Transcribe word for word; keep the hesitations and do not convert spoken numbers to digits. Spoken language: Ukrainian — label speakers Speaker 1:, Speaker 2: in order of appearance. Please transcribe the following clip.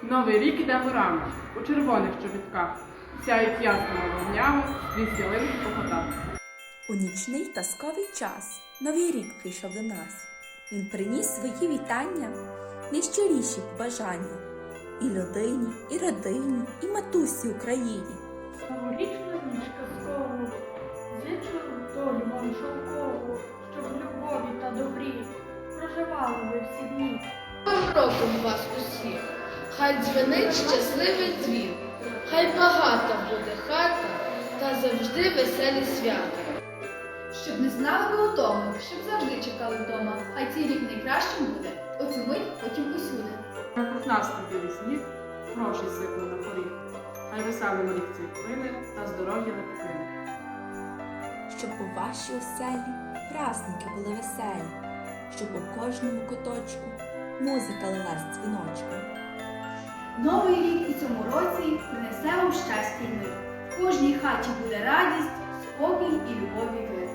Speaker 1: Новий рік іде горами, у червоних чобітках, сяють ясними вогнями, скрізь ялинки по хатах.
Speaker 2: У нічний казковий час Новий рік прийшов до нас. Він приніс свої вітання, найщиріші побажання і людині, і родині, і матусі Україні.
Speaker 3: Новорічну ніч казкову, зичу долю вам шовкову, щоб в любові та добрі проживали ви всі дні.
Speaker 4: Новим роком вас усіх, хай дзвенить щасливий дзвін, хай багата буде хата та завжди веселі свята.
Speaker 5: Щоб не знали ви утому, щоб завжди чекали вдома, хай цей рік найкращим буде, оцю мить потім усюди.
Speaker 1: Як нас білий сніг, гроші сипли на поріг, хай веселим рік цей плине та здоров'я не покине.
Speaker 2: Щоб у вашій оселі праздники були веселі, щоб у кожному куточку музика лилась дзвіночком.
Speaker 5: Новий рік у цьому році принесе вам щастя й мир. В кожній хаті буде радість, спокій і любові мир.